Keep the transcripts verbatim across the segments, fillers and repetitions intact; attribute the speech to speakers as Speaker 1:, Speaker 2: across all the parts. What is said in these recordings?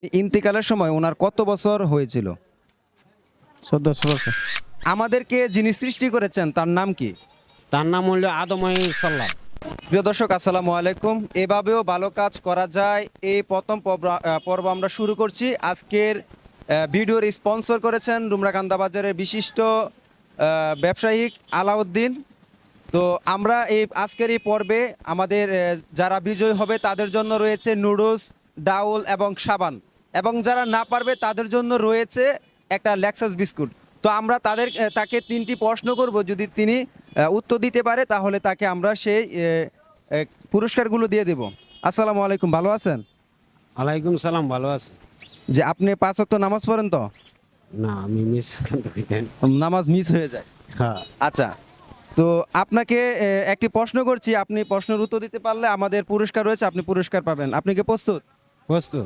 Speaker 1: ইন্তেকালের সময় ওনার কত বছর হয়েছিল?
Speaker 2: চোদ্দশো বছর।
Speaker 1: আমাদেরকে যিনি সৃষ্টি করেছেন তার নাম কি?
Speaker 2: তার নাম হলো আদম আলাইহিসসালাম।
Speaker 1: প্রিয় দর্শক, আসসালামু আলাইকুম। এভাবেও ভালো কাজ করা যায়, এই প্রথম পর্ব- আহ, পর্ব আমরা শুরু করছি। আজকের আহ, ভিডিওর স্পন্সর করেছেন রুমরাকান্দা বাজারের বিশিষ্ট আহ, ব্যবসায়িক আলাউদ্দিন। তো আমরা এই আজকের এই পর্বে আমাদের আহ, যারা বিজয়ী হবে তাদের জন্য রয়েছে নুডলস, ডাউল এবং সাবান, এবং যারা না পারবে তাদের জন্য রয়েছে একটা লেক্সাস বিস্কুট। তো আমরা তাদের আহ, তাকে তিনটি প্রশ্ন করব, যদি তিনি আহ, উত্তর দিতে পারে তাহলে তাকে আমরা সেই আহ, আহ, পুরস্কারগুলো দিয়ে দেব। আসসালামু আলাইকুম, ভালো আছেন?
Speaker 2: ওয়ালাইকুম সালাম, ভালো আছে?
Speaker 1: যে আপনি পাঁচ ওয়াক্ত নামাজ পড়েন তো?
Speaker 2: না, আমি মিস করেন।
Speaker 1: নামাজ মিস হয়ে যায়।
Speaker 2: হ্যাঁ,
Speaker 1: আচ্ছা, তো আপনাকে এ, একটি প্রশ্ন করছি, আপনি প্রশ্নের উত্তর দিতে পারলে আমাদের পুরস্কার রয়েছে, আপনি পুরস্কার পাবেন। আপনি কি প্রস্তুত?
Speaker 2: প্রস্তুত।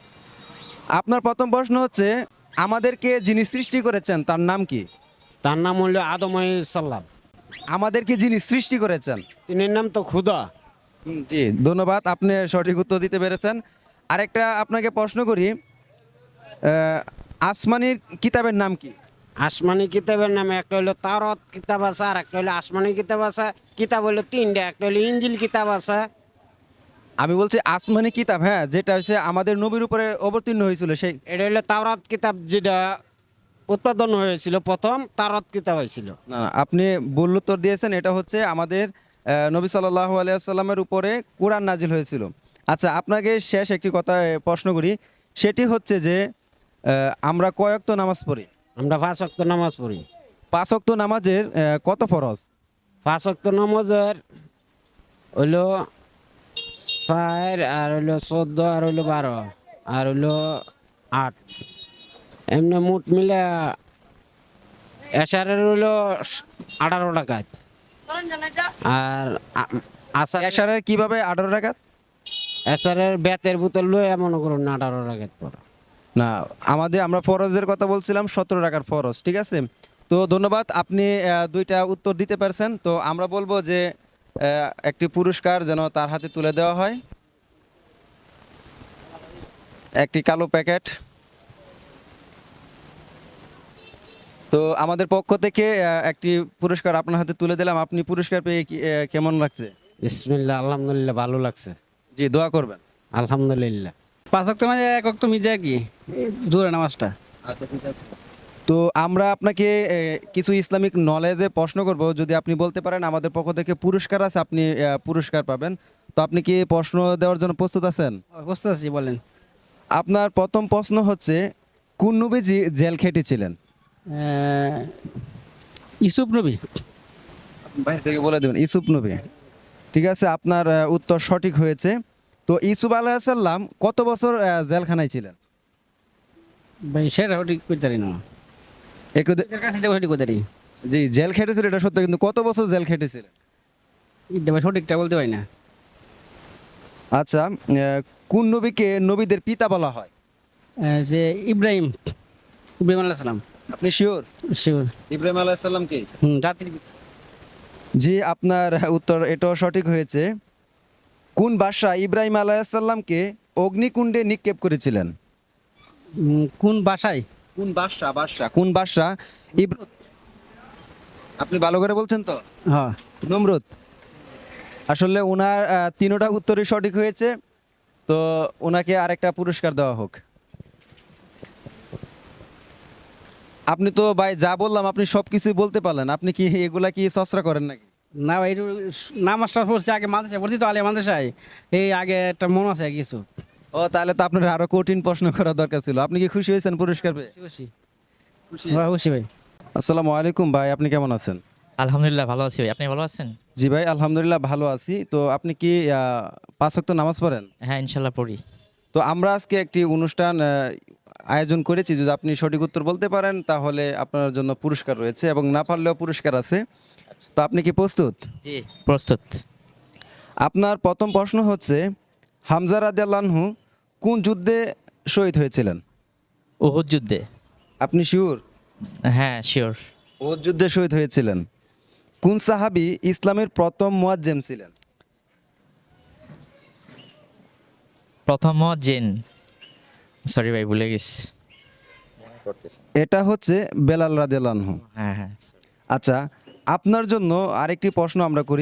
Speaker 1: আপনার প্রথম প্রশ্ন হচ্ছে, আমাদেরকে যিনি সৃষ্টি করেছেন তার নাম কি?
Speaker 2: তার নাম হলো আদম আলাইহিসসালাম।
Speaker 1: আমাদেরকে যিনি সৃষ্টি করেছেন।
Speaker 2: তিনের নাম তো খুদা।
Speaker 1: জি, ধন্যবাদ, আপনি সঠিক উত্তর দিতে পেরেছেন। আরেকটা আপনাকে প্রশ্ন করি, আহ, আসমানির কিতাবের নাম কি?
Speaker 2: আসমানি কিতাবের নামে একটা হলো তাওরাত কিতাব আছে, আর একটা হলো আসমানি কিতাব আছে। কিতাব হলো তিনটা, একটা হলো ইনজিল কিতাব আছে।
Speaker 1: আমি বলছি আসমানি কিতাব, হ্যাঁ, যেটা হচ্ছে আমাদের নবীর উপরে অবতীর্ণ হয়েছিল সেই।
Speaker 2: এটা হলো তাওরাত কিতাব, যেটা উৎপাদন হয়েছিল প্রথম তাওরাত কিতাব হয়েছিল।
Speaker 1: না না, আপনি ভুল উত্তর দিয়েছেন। এটা হচ্ছে আমাদের আহ, নবী সাল্লাল্লাহু আলাইহি সাল্লামের উপরে কোরআন নাজিল হয়েছিল। আচ্ছা, আপনাকে শেষ একটি কথা আহ, প্রশ্ন করি, সেটি হচ্ছে যে আহ, আমরা কয় ওয়াক্ত নামাজ পড়ি?
Speaker 2: আমরা পাঁচ ওয়াক্ত নামাজ পড়ি।
Speaker 1: পাঁচ ওয়াক্ত নামাজের আহ, কত ফরজ?
Speaker 2: পাঁচ ওয়াক্ত নামাজের হইলো চার, আর হইলো চোদ্দ, আর হইলো বারো, আর হইলো আট। এমনি মোট মিলে এশারের হইলো আঠারো টাকা। আর আ- আসার
Speaker 1: এশারের কিভাবে আঠারো রাকাত?
Speaker 2: এশারের বেতের বোতল লই মনে করুন আঠারো টাকা পর।
Speaker 1: না, আমাদের আমরা ফরজের কথা বলছিলাম, সতেরো টাকার ফরজ। ঠিক আছে, তো ধন্যবাদ, আপনি আহ, দুইটা উত্তর দিতে পারছেন। তো আমরা বলবো যে আহ, একটি পুরস্কার যেন তার হাতে তুলে দেওয়া হয়, একটি কালো প্যাকেট। তো আমাদের পক্ষ থেকে আহ, একটি পুরস্কার আপনার হাতে তুলে দিলাম। আপনি পুরস্কার পেয়ে কি- আহ, কেমন লাগছে?
Speaker 2: বিসমিল্লাহ, আলহামদুলিল্লাহ, ভালো লাগছে।
Speaker 1: জি, দোয়া করবেন।
Speaker 2: আলহামদুলিল্লাহ।
Speaker 3: পাঁচ ওয়াক্ত মানে এক ওয়াক্ত মির্জা কি জোরে নামাজটা।
Speaker 1: আচ্ছা, ঠিক আছে। তো আমরা আপনাকে আহ, কিছু ইসলামিক নলেজে প্রশ্ন করব, যদি আপনি বলতে পারেন আমাদের পক্ষ থেকে পুরস্কার আছে, আপনি আহ, পুরস্কার পাবেন। তো আপনি কি প্রশ্ন দেওয়ার জন্য প্রস্তুত আছেন?
Speaker 3: বুঝতে পারছি, বলেন।
Speaker 1: আপনার প্রথম প্রশ্ন হচ্ছে, কোন নবীজি জেল খেটেছিলেন?
Speaker 3: আহ, ইউসুফ নবী।
Speaker 1: বাইরে থেকে বলে দেবেন, ইসুফ নবী। ঠিক আছে, আপনার আহ, উত্তর সঠিক হয়েছে। তো ইসুফ আলাইসাল্লাম কত বছর আহ, জেলখানায় ছিলেন?
Speaker 3: ভাই সেটা ঠিক করতে পারি না।
Speaker 1: একটু দে-
Speaker 3: এটার কাছে এটা সঠিক করতে পারি।
Speaker 1: জি, জেল খেটেছিল এটা সত্য, কিন্তু কত বছর জেল খেটেছিলেন?
Speaker 3: এটা ভাই সঠিকটা বলতে পারি না।
Speaker 1: আচ্ছা, আহ, কোন নবীকে নবীদের পিতা বলা হয়?
Speaker 3: আহ, যে ইব্রাহিম, ইব্রাহিম আল্লাহ সালাম।
Speaker 1: আপনি শিওর?
Speaker 3: শিওর।
Speaker 1: ইব্রাহিম আলাইসাল্লাম কি?
Speaker 3: হুম, রাত্রি।
Speaker 1: জি, আপনার উত্তর এটাও সঠিক হয়েছে। কোন বাদশা ইব্রাহিম আলাইসাল্লামকে অগ্নিকুণ্ডে নিক্ষেপ করেছিলেন?
Speaker 3: উম, কোন বাসায়?
Speaker 1: কোন বাদশা? বাদশা কোন বাদশা? ইব- আপনি ভালো করে বলছেন তো?
Speaker 3: হ্যাঁ।
Speaker 1: নমরুদ। আসলে ওনার আহ, তিনোটা উত্তরই সঠিক হয়েছে। তো ওনাকে আরেকটা পুরস্কার দেওয়া হোক। আপনি তো ভাই যা বললাম আপনি সব কিছুই বলতে পারলেন, আপনি কি এগুলা কি চর্চা করেন নাকি?
Speaker 3: না ভাই, একটু নামাজটা পড়ছি আগে, মাদ্রাসায় পড়ছি তো, আলিয়া মাদ্রাসায়। এই আগে একটা মন আছে কিছু।
Speaker 1: ও, তাহলে তো আপনার আরো কঠিন প্রশ্ন করা দরকার ছিল। আপনি কি খুশি হয়েছেন পুরস্কার পেয়ে?
Speaker 3: খুশি খুশি হ্যাঁ, খুশি ভাই।
Speaker 1: আসসালামু আলাইকুম ভাই, আপনি কেমন আছেন?
Speaker 4: আলহামদুলিল্লাহ ভালো আছি ভাই, আপনি ভালো আছেন?
Speaker 1: জি ভাই, আলহামদুলিল্লাহ ভালো আছি। তো আপনি কি আহ, পাঁচ ওয়াক্ত নামাজ পড়েন?
Speaker 4: হ্যাঁ, ইনশাল্লাহ পড়ি।
Speaker 1: তো আমরা আজকে একটি অনুষ্ঠান আহ, আয়োজন করেছি, যদি আপনি সঠিক উত্তর বলতে পারেন তাহলে আপনার জন্য পুরস্কার রয়েছে, এবং না পারলেও পুরস্কার আছে। তো আপনি কি প্রস্তুত?
Speaker 4: জি, প্রস্তুত।
Speaker 1: আপনার প্রথম প্রশ্ন হচ্ছে, হামজা রাদিয়াল্লাহু আনহু কোন যুদ্ধে শহীদ হয়েছিলেন?
Speaker 4: উহুদ যুদ্ধে।
Speaker 1: আপনি শিওর?
Speaker 4: হ্যাঁ, শিওর।
Speaker 1: উহুদ যুদ্ধে শহীদ হয়েছিলেন। কোন সাহাবী ইসলামের প্রথম মুয়াজ্জিম ছিলেন?
Speaker 4: প্রথম জিন। সরি ভাই ভুলে গেছি।
Speaker 1: এটা হচ্ছে বেলাল রাদিয়াল্লাহু আনহু।
Speaker 4: হ্যাঁ হ্যাঁ।
Speaker 1: আচ্ছা, আপনার জন্য আরেকটি প্রশ্ন আমরা করি।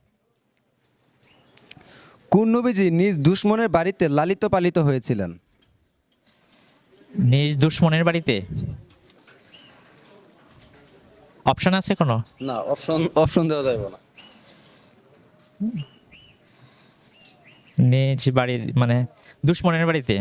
Speaker 1: কোন নবীজি নিজ দুশমনের বাড়িতে লালিত পালিত হয়েছিলেন?
Speaker 4: নিজ দুশ্মনের বাড়িতে অপশন আছে কোনো?
Speaker 1: না, অপশন অপশন দেওয়া যাবে না।
Speaker 4: নিজ বাড়ির মানে দুশ্মনের বাড়িতে,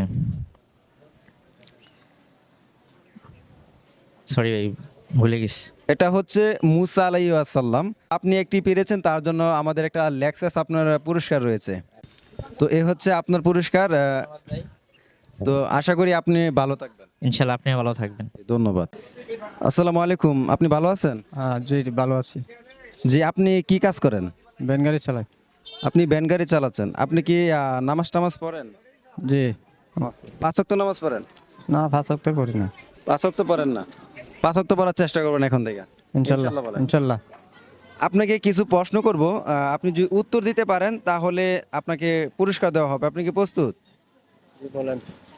Speaker 4: সরি ভাই ভুলে গেছি।
Speaker 1: এটা হচ্ছে মুসা আলাইহিস সালাম। আপনি একটি পেরেছেন, তার জন্য আমাদের একটা লেক্সাস আপনার পুরস্কার রয়েছে। তো এ হচ্ছে আপনার পুরস্কার। আহ, তো আশা করি আপনি ভালো থাকবেন।
Speaker 4: ইনশাল্লাহ আপনিও ভালো থাকবেন।
Speaker 1: ধন্যবাদ। আসসালামু আলাইকুম, আপনি ভালো আছেন?
Speaker 5: হ্যাঁ জি ভালো আছি।
Speaker 1: জি, আপনি কি কাজ করেন?
Speaker 5: ভ্যান গাড়ি চালাই।
Speaker 1: আপনি ভ্যান গাড়ি চালাচ্ছেন। আপনি কি আহ, নামাজ টামাজ পড়েন?
Speaker 5: জি।
Speaker 1: পাঁচ ওয়াক্ত নামাজ পড়েন?
Speaker 5: না পাঁচ সপ্তাহ করি না।
Speaker 1: পাঁচ ওয়াক্ত পড়েন না? পাঁচ ওয়াক্ত পড়ার চেষ্টা করবেন এখন থেকে।
Speaker 5: ইনশাল্লাহ
Speaker 1: ইনশাআল্লাহ বলেন।
Speaker 5: ইনশাল্লাহ।
Speaker 1: আপনাকে কিছু প্রশ্ন করব, আহ, আপনি যদি উত্তর দিতে পারেন তাহলে আপনাকে পুরস্কার দেওয়া হবে। আপনি কি প্রস্তুত?
Speaker 5: বলেন।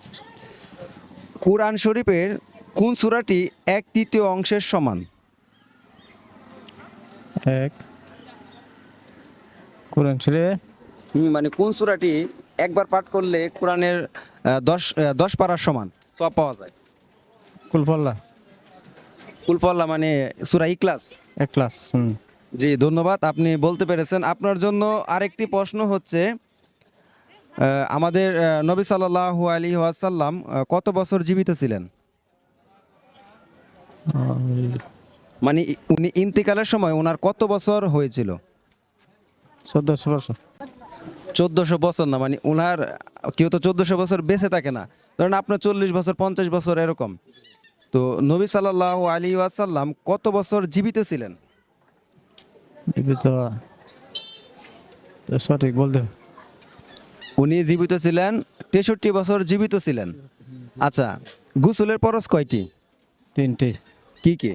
Speaker 1: কুরআন শরীফের কোন সূরাটি এক তৃতীয় অংশের সমান?
Speaker 5: এক কোরআন শরীফ
Speaker 1: হুম, মানে কোন সূরাটি একবার পাঠ করলে কোরআনের আহ, দশ আহ, দশ পারার সমান সব পাওয়া যায়?
Speaker 5: কুলফল্লা
Speaker 1: কুলফল্লা মানে সূরা ইখলাস।
Speaker 5: এক ক্লাস। হুম।
Speaker 1: জি, ধন্যবাদ, আপনি বলতে পেরেছেন। আপনার জন্য আরেকটি প্রশ্ন হচ্ছে, আহ, আমাদের আহ, নবী সাল্লাল্লাহু আলাইহি ওয়াসাল্লাম আহ, কত বছর জীবিত ছিলেন? মানে ই- উনি ইন্তেকালের সময় ওনার কত বছর হয়েছিল?
Speaker 5: চোদ্দশো বছর।
Speaker 1: চোদ্দশো বছর না, মানে ওনার কেউ তো চোদ্দশো বছর বেঁচে থাকে না, ধরেন আপনার চল্লিশ বছর পঞ্চাশ বছর এরকম। তো নবী সাল্লাল্লাহু আলাইহি ওয়াসাল্লাম কত বছর জীবিত ছিলেন?
Speaker 5: জীবিত সঠিক বলতে হবে।
Speaker 1: উনি জীবিত ছিলেন তেষট্টি বছর জীবিত ছিলেন। আচ্ছা, গোসলের ফরজ কয়টি?
Speaker 5: তিনটি।
Speaker 1: কি কি?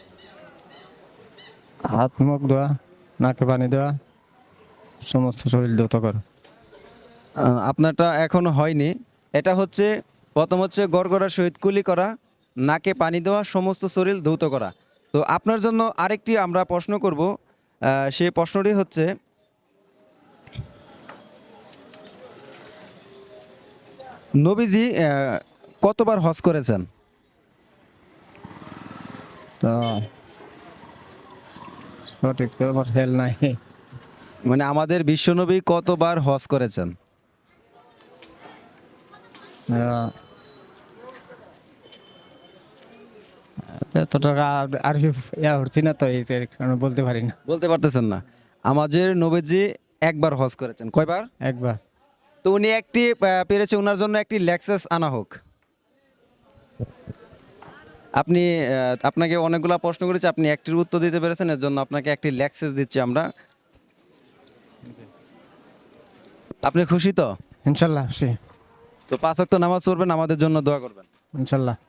Speaker 5: হাত মুখ ধোয়া, নাকে পানি দেওয়া, সমস্ত শরীর দ্রুত করা।
Speaker 1: আহ, আপনারটা এখনো হয়নি। এটা হচ্ছে প্রথম হচ্ছে গড়গড়ার সহিত কুলি করা, নাকে পানি দেওয়া, সমস্ত শরীর ধৌত করা। তো আপনার জন্য আরেকটি আমরা প্রশ্ন করব। আহ, সেই প্রশ্নটি হচ্ছে, নবীজি আহ, কতবার হজ করেছেন?
Speaker 5: তো সঠিক তো আমার হেল নাই।
Speaker 1: মানে আমাদের বিশ্বনবী কতবার হজ করেছেন?
Speaker 5: আহ, এত টাকা আর ইয়া হচ্ছি না তো এই কারণে বলতে পারি না।
Speaker 1: বলতে পারতেছেন না? আমাদের নবীজি একবার হজ করেছেন। কয়বার?
Speaker 5: একবার।
Speaker 1: তো উনি একটি আহ, পেরেছে, ওনার জন্য একটি লেক্সাস আনা হোক। আপনি আহ, আপনাকে অনেকগুলা প্রশ্ন করেছি, আপনি একটির উত্তর দিতে পেরেছেন, এর জন্য আপনাকে একটি লেক্সাস দিচ্ছি আমরা। আপনি খুশি তো?
Speaker 5: ইনশাল্লাহ সে
Speaker 1: তো পাঁচ ওয়াক্ত নামাজ পড়বেন, আমাদের জন্য দোয়া করবেন।
Speaker 5: ইনশাল্লাহ।